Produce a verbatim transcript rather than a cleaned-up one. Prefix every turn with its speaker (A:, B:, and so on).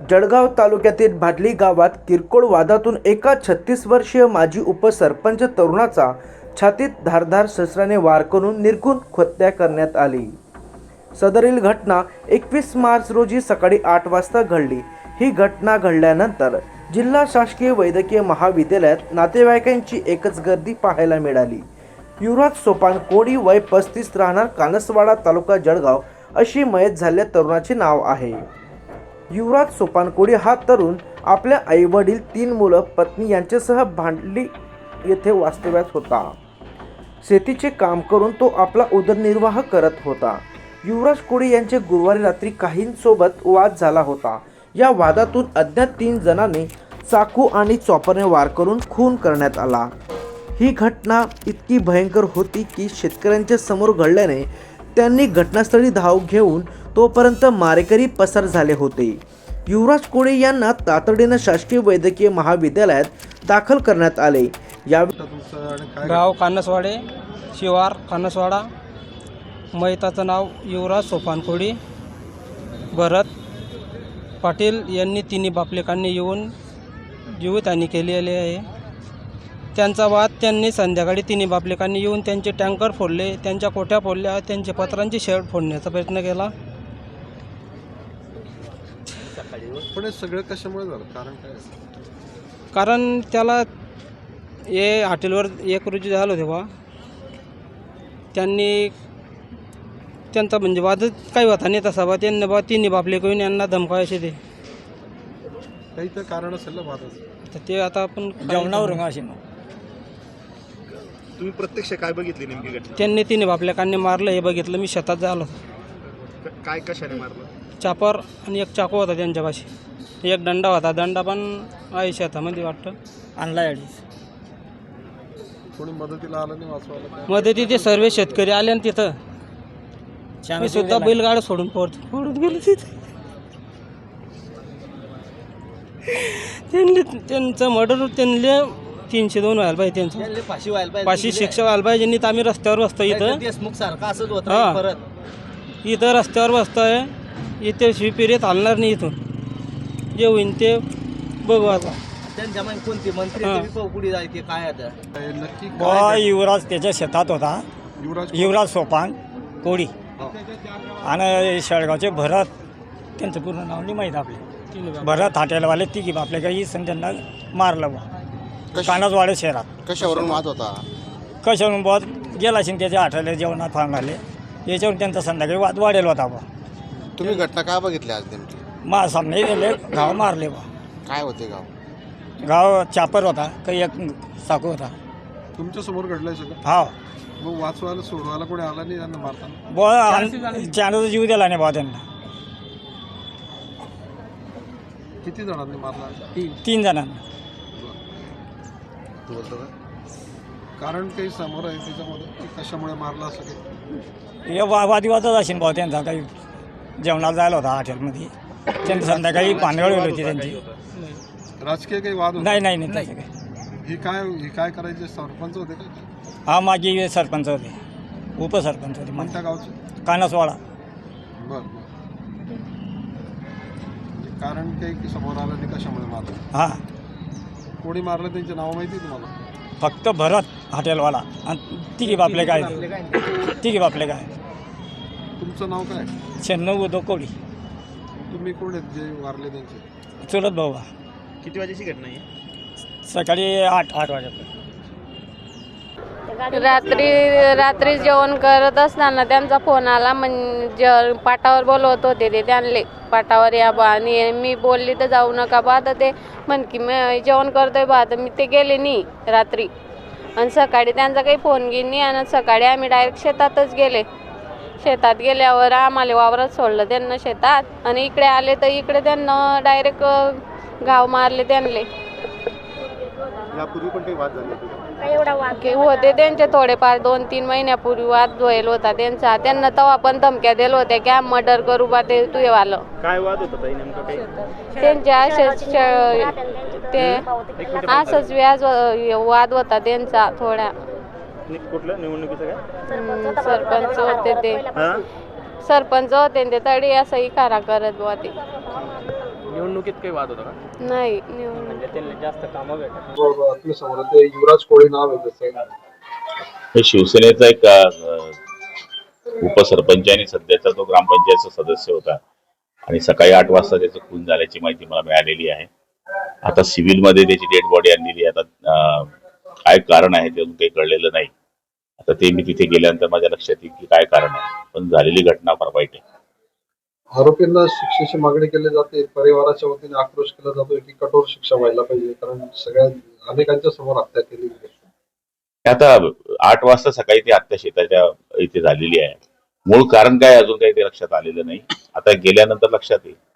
A: जळगाव तालुक्यातील भाडली गावात किरकोळ वादातून एका छत्तीस वर्षीय माजी उपसरपंच तरुणाचा छातीत धारदार शस्त्राने वार करून निर्घृण हत्या करण्यात आली। सदरील घटना एकवीस मार्च रोजी सकाळी आठ वाजता घडली। ही घटना घडल्यानंतर जिल्हा शासकीय वैद्यकीय महाविद्यालयात नातेवाईकांची एकच गर्दी पाहायला मिळाली। युवराज सोपान कोडी वय पस्तीस राहणार कानसवाडा तालुका जळगाव अशी मयत झालेल्या तरुणाचे नाव आहे। युवराज सोपान कोडी हा तरुण आपल्या आई वडील तीन मुलं पत्नी यांच्यासह भांडली येथे वास्तव्यात होता। शेतीचे काम करून तो आपला उदरनिर्वाह करत होता। युवराज कोडी यांचे गुरुवारी रात्री काहींसोबत वाद झाला होता। या वादातून अज्ञात तीन जणांनी चाकू आणि चॉपरने वार करून खून करण्यात आला। ही घटना इतकी भयंकर होती की शेतकऱ्यांच्या समोर घडल्याने त्यांनी घटनास्थळी धाव घेऊन तोपर्यंत मारेकरी पसार झाले होते। युवराज कोडी यांना तातडीने शासकीय वैद्यकीय महाविद्यालयात दाखल करण्यात आले। या
B: गाव कानसवाडे शिवार कानसवाडा। मयताचं नाव युवराज सोपान कोडी भरत पाटील यांनी तिन्ही बापलेकांनी येऊन जीवितहानी केलेली आहे। त्यांचा वाद त्यांनी संध्याकाळी तिन्ही बापलेकांनी येऊन त्यांचे टँकर फोडले, त्यांच्या कोठ्या फोडल्या, त्यांचे पत्रांची शेड फोडण्याचा प्रयत्न केला।
C: पण हे सगळं कशामुळे झालं, कारण काय?
B: कारण त्याला हे हॉटेलवर एक रोजी झालं तेव्हा त्यांनी त्यांचा म्हणजे वादच काही होता नाही तसा बा त्यांनी बा तिन्ही बापले करून यांना धमकायचे ते
C: काही तर कारण असेल ना वादाचं,
B: तर ते आता आपण
D: जेवणावर असे
E: तुम्ही प्रत्यक्ष काय बघितली नेमकी घटना?
B: त्यांनी तिन्ही बापलेकांनी मारलं हे बघितलं। मी शेतात झालो,
E: काय कशाने मारलं?
B: चापर आणि एक चाकू होता त्यांच्यापाशी, एक दंडा होता, दंडा पण आहे शेतामध्ये वाटतं
D: आणला अडीच।
C: कोणी मदतीला आलं नाही वाचवायला?
B: मध्ये तिथे सर्व शेतकरी आले आणि तिथं मी सुद्धा बैलगाडा सोडून पडत पडत गेलो तिथे। त्यांनी त्यांचं मर्डर त्यांनी तीनशे दोन व्हायला पाहिजे, त्यांचं
D: फाशी व्हायला पाहिजे,
B: फाशी शिक्षा व्हायला पाहिजे। ज्यांनी तर आम्ही रस्त्यावर बसतो इथं,
D: देशमुख सारखा असंच होतं
B: हां
D: परत
B: इथं रस्त्यावर बसतोय, इथे शिवपिरीत हलणार नाही। इथून जे होईन ते बघू आता।
D: त्यांच्या मागे कोणते मंत्री
B: हां.
D: ते बी पुढे जायचे काय आता
C: हे नक्की
F: बा
C: काय?
F: युवराज त्याच्या शेतात होता,
C: युवराज
F: युवराज सोपान कोडी
C: हो.
F: आणि शेळगावचे भरत, त्यांचं पूर्ण नाव नाही माहीत आपले, भरत हॉटेलवाले तिघी आपल्या काही सण त्यांना मारलं बा कानसवाडे शहरात।
E: कशावरून वाद होता?
F: कशावरून बॉस गेला असेल त्याच्या हॉटेल जेवणात फांग आले, याच्यावरून त्यांचा संध्याकाळी वाद वाढेल होता बा।
E: तुम्ही घटना काय बघितली आज नेमकी?
F: मा सामने गेले, गाव मारले बा।
E: काय होते गाव?
F: गाव चापर होता, काही एक साकू होता।
C: तुमच्या समोर घडलंय सगळं?
F: हा
C: मग वाचवायला सोडवायला कोणी आला नाही त्यांना मारताना?
F: बॉ चांदचा जीव दिला नाही बा त्यांना।
C: किती जणांनी मारला?
F: तीन जणांना।
E: तू बोलतो का?
C: कारण काही समोर आहे त्याच्यामध्ये की कशामुळे मारला असं काही?
F: हे वा वादिवादच असेल भाऊ त्यांचा, काही जेवणाला जायला होता हॉटेलमध्ये, त्यांनी संध्याकाळी पानगळ गेली होती त्यांची।
C: राजकीय काही वाद होता?
F: नाही नाही नाही तसं काही।
C: ही काय ही काय करायचे? सरपंच होते का?
F: हा माझी सरपंच होते, उपसरपंच होते
C: कोणत्या गावचे?
F: कानसवाडा।
C: बरं बरं, म्हणजे कारण काही की समोर आलं नाही कशामुळे मारलं?
F: हां
C: कोणी मारलं त्यांचे नाव माहिती आहे तुम्हाला?
F: फक्त भरत हॉटेलवाला आणि तिघी बापले काय, तिघी बापले काय
C: तुमचं नाव काय?
F: शहाण्णव उदो कोडी।
C: तुम्ही कोण आहेत जे वारले त्यांचे?
F: चुलत भाऊ।
E: किती वाजेची घटना आहे?
F: सकाळी आठ आठ वाजेपर्यंत।
G: रात्री रात्री जेवण करत असताना त्यांचा फोन आला, म्हणजे पाटावर बोलवत होते ते त्यांले, पाटावर या बा। आणि मी बोलली तर जाऊ नका बा, तर ते म्हण की मी जेवण करतोय बा, तर मी ते गेले नाही रात्री। आणि सकाळी त्यांचा काही फोन घेईन नाही, आणि सकाळी आम्ही डायरेक्ट शेतातच गेले। शेतात गेल्यावर आम्हाला वावरात सोडलं त्यांना शेतात, आणि इकडे आले तर इकडे त्यांना डायरेक्ट घाव मारले त्यांले।
E: यापूर्वी पण काही वाद झाले होते?
G: होते त्यांचे थोडेफार, दोन तीन महिन्यापूर्वी वाद व्हायला होता त्यांचा। त्यांना तेव्हा पण धमक्या दिल्या होत्या की आम्ही मर्डर करू बा, ते तू वालं।
E: काय वाद होता ताई नेमका? काही
G: त्यांचे असेच ते असंच व्याज वाद होता त्यांचा थोडा।
E: कुठलं निवडणुकीचं काय?
G: सरपंच होते ते, सरपंच होते ते तरी असं इकारा करत बुवा ते।
H: निवडणुकीत काही वाद होता का?
G: नाही निवडून
H: म्हणजे त्यांना जास्त कामं भेटत.
C: बरोबर, आपल्या समोर ते युवराज कोळी नाव आहे त्याचं.
I: हे शिवसेनेचा एक अ, उपसरपंच आणि सध्याचा तो ग्रामपंचायतचा सदस्य होता आणि सकाळी आठ वाजता त्याचं खून झाल्याची माहिती मला मिळालेली आहे. आता सिव्हिलमध्ये त्याची डेड बॉडी आणलेली आहे. आता अ, काय कारण आहे ते अजून काही कळलेलं नाही. आता ते मी तिथे गेल्यानंतर माझ्या लक्षात येईल की काय कारण आहे, पण झालेली घटना फार वाईट आहे.
C: आरोपींना शिक्षेची मागणी केली जाते, परिवाराच्या वतीने आक्रोश केला जातोय की कठोर शिक्षा व्हायला पाहिजे, कारण सगळ्या अनेकांच्या समोर हत्या केली गेली.
I: आता आठ वाजता सकाळी ती हत्या शेताच्या इथे झालेली आहे. मूळ कारण काय अजून काही ते लक्षात आलेलं नाही. आता गेल्यानंतर लक्षात येईल.